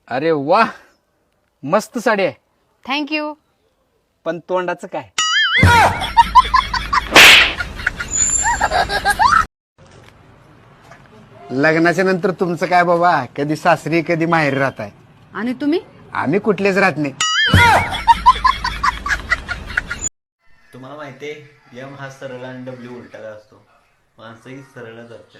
अरे वा, मस्त साडी आहे. थँक्यू. पण तोंडाचं काय? लग्नाच्या नंतर तुमचं काय बाबा, कधी सासरी कधी माहेरी राहताय. आणि तुम्ही? आम्ही कुठलेच राहत नाही. तुम्हाला माहितीये एम हा सरळ आणि डब्ल्यू उलटा असतो. माणसंही सरळ जातात.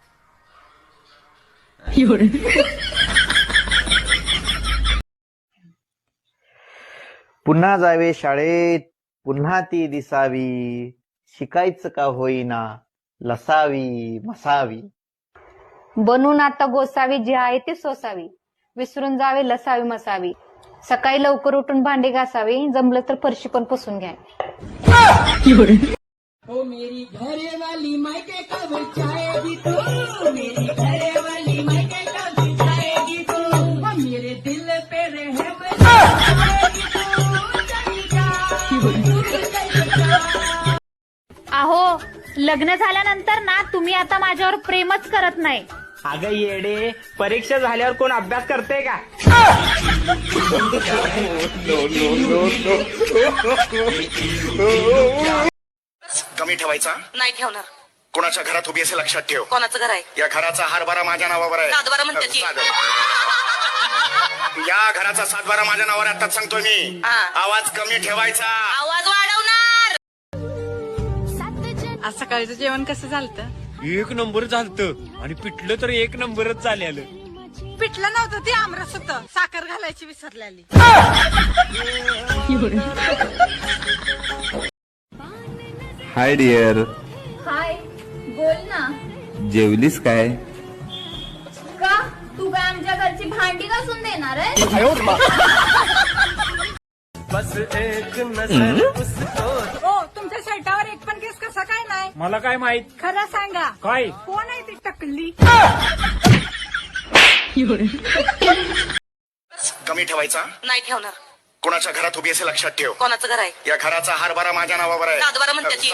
पुन्हा जावे शाळेत, पुन्हा ती दिसावी, शिकायचं का होईना, लसावी मसावी. बनून आता गोसावी, जी आहे ती सोसावी, विसरून जावे लसावी मसावी. सकाळी लवकर उठून भांडे घासावी, जमलं तर फरशी पण पुसून घ्या. ओ मेरी घरे वाली मायके कब जाएगी तू, मेरी घरे वाली मायके कब जाएगी तू, ओ मेरे दिल पे रहम जाएगी तू, चली जा. अहो, लग्न झाल्यानंतर ना तुम्ही आता माझ्यावर प्रेमच करत नाही. अगं येडे, परीक्षा झाल्यावर कोण अभ्यास करते का? कमी ठेवायचा नाही ठेवणार. कोणाच्या घरात उभी असे लक्षात ठेव. कोणाचं घर आहे? या घराचा हारबारा माझ्या नावावर आहे. सातबारा म्हणते ती. या घराचा सातबारा माझ्या नावावर आताच सांगतोय मी. हा. आवाज कमी ठेवायचा. आवाज वाढवणार. आज सकाळचं जेवण कसं झालं? एक नंबर झालतं आणि पिठलं तर एक नंबरच झालेलं. पिठलं नव्हतं, ते आमरस होतं, साखर घालायची विसरलेली. हाय डिअर, हाय, बोल ना. जेवलीस काय? का तू काय आमच्या घरची भांडी घासून देणार आहे? ओ, तुमच्या शर्टावर एक पण केस कसा काय नाही? मला काय माहित? खरं सांगा, काय? कोण आहे ती टकली? कमी ठेवायचा नाही ठेवणार. कोणाच्या घरात उभी असे लक्षात ठेव. कोणाचं घर आहे? या घराचा हारबारा माझ्या नावावर आहे. सातबारा म्हणते ती.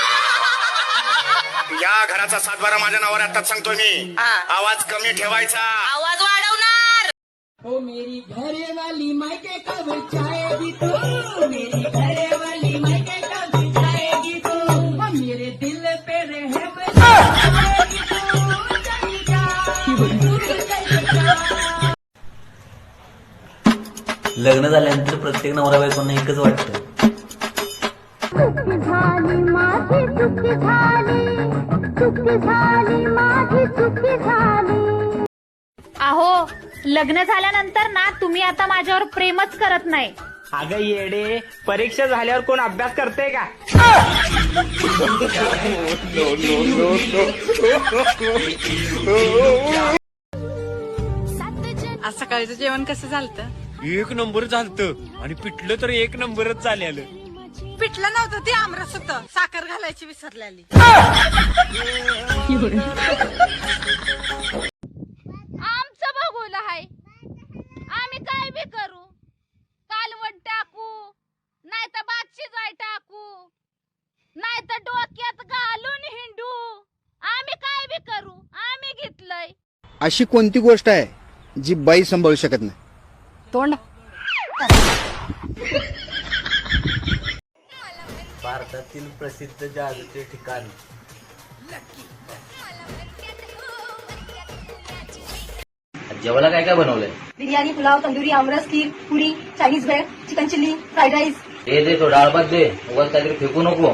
या घराचा सातबारा माझ्या नावावर आताच सांगतोय मी. हा. आवाज कमी ठेवायचा. आवाज वाढवणार. ओ मेरी घरे वाली मायके कब जाएगी तू, मेरी घरे वाली मायके कब जाएगी तू, ओ मेरे दिल पे रहम जाएगी तू, चली जा. लग्न झाल्यानंतर प्रत्येक नवरा बायकोंना एकच वाटतं. अहो, लग्न झाल्यानंतर ना तुम्ही आता माझ्यावर प्रेमच करत नाही. अगं येडे, परीक्षा झाल्यावर कोण अभ्यास करते का? आज सकाळचं जेवण कसं झालं? एक नंबर झालतं आणि पिठलं तर एक नंबरच झालेलं. पिठलं नव्हतं, ते आमरस होतं, साखर घालायची विसरलेली. आमचं बघूला आहे, आम्ही काय बी करू. कालवण टाकू, नाही तर भात शिजाय टाकू, नाही तर डोक्यात घालून हिंडू. आम्ही काय बी करू, आम्ही घेतलंय. अशी कोणती गोष्ट आहे जी बाई सांभाळू शकत नाही? तोंड. भारतातील प्रसिद्ध जादूचे ठिकाण. जेवायला काय काय बनवलंय? बिर्याणी, पुलाव, तंदुरी, आमरस, खीर, पुरी, चायनीज भेळ, चिकन चिल्ली, फ्राईड राईस. दे तो डाळ भात दे, उगाच काहीतरी फेकू नको.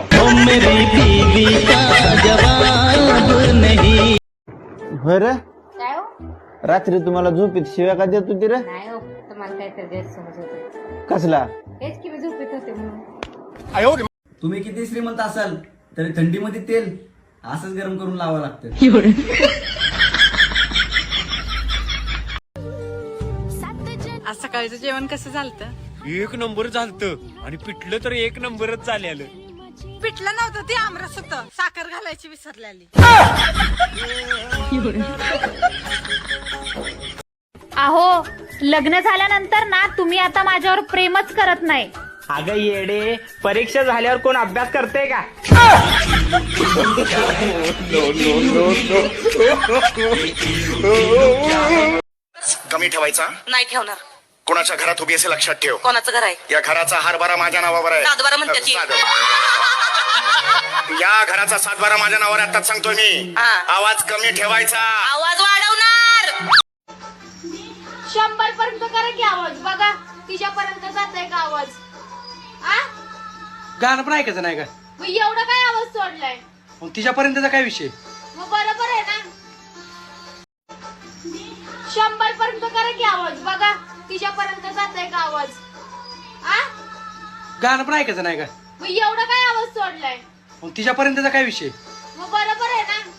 बरं, काय हो? रात्री तुम्हाला झोपीत शिव्या का देत होती रे? नाही हो, तुम्हाला काहीतरी गैरसमज होतो. कसला? हेच की मी झोपेत होते म्हणून. तुम्ही किती श्रीमंत असाल तरी थंडीमध्ये तेल असंच गरम करून लावावं लागतं. आज सकाळचं जेवण कसं झालं? एक नंबर झालतं आणि पिठलं तर एक नंबरच झालेलं. पिठलं नव्हतं, ते आमरस होतं, साखर घालायची विसरलेली. अहो, लग्न झाल्यानंतर ना तुम्ही आता माझ्यावर प्रेमच करत नाही. अगं येडे, परीक्षा झाल्यावर कोण अभ्यास करते का? कमी कमी ठेवायचा नाही ठेवणार. कुणाच्या घरात उभी असे लक्षात ठेव. कोणाचं घर आहे? या घराचा हरभरा माझ्या नावावर आहे. सातबारा म्हणतात ती. या घराचा सातबारा माझ्या नावावर आहे, आताच सांगतोय मी. हा. आवाज कमी ठेवायचा. आवाज वाढवणार. 100 पर्यंत करा की आवाज बघा तिच्यापर्यंत जातोय का आवाज. आ गाणं पण ऐकायचं नाही का? मग एवढा काय आवाज सोडलाय? मग तिच्यापर्यंतचा काय विषय? मग बरोबर आहे ना. 100 पर्यंत करा की आवाज बघा तिच्यापर्यंत जातोय का आवाज. आ गाणं पण ऐकायचं नाही का? मग एवढा काय आवाज सोडलाय? मग तिच्यापर्यंतचा काय विषय? मग बरोबर आहे ना.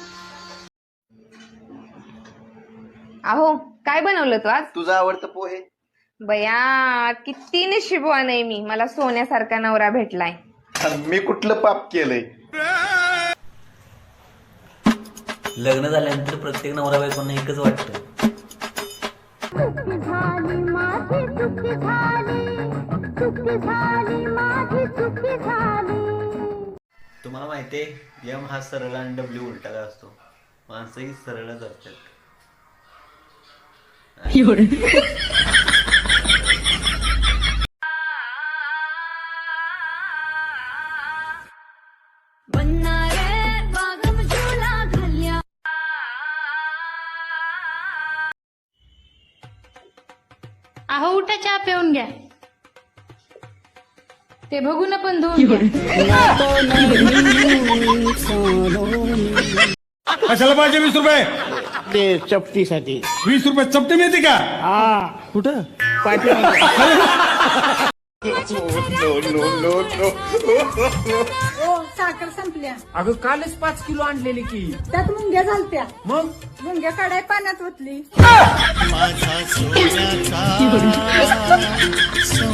अहो काय बनवलं तू आज? तुझं आवडतं पोहे. बया किती नशीबवान आहे मी, मला सोन्यासारखा नवरा भेटलाय. मी कुठलं पाप केलंय? लग्न झाल्यानंतर प्रत्येक नवरा बायकोंना एकच वाटतं, तुम्हाला माहितीये यम हा सरळ आणि डब्ल्यू उलटा असतो. माणसंही सरळच असतात. अहो उठा चहा पिऊन घ्या. ते बघून पण धुवून घ्या. कशाला पाहिजे 20 रुपये? ते चपटीसाठी 20 रुपये चपटे मिळते का? कुठं? साखर संपल्या. अगं कालच 5 किलो आणलेली की. त्यात मुंग्या झालत्या. मग मुंग्या काढाय पाण्यात ओतली.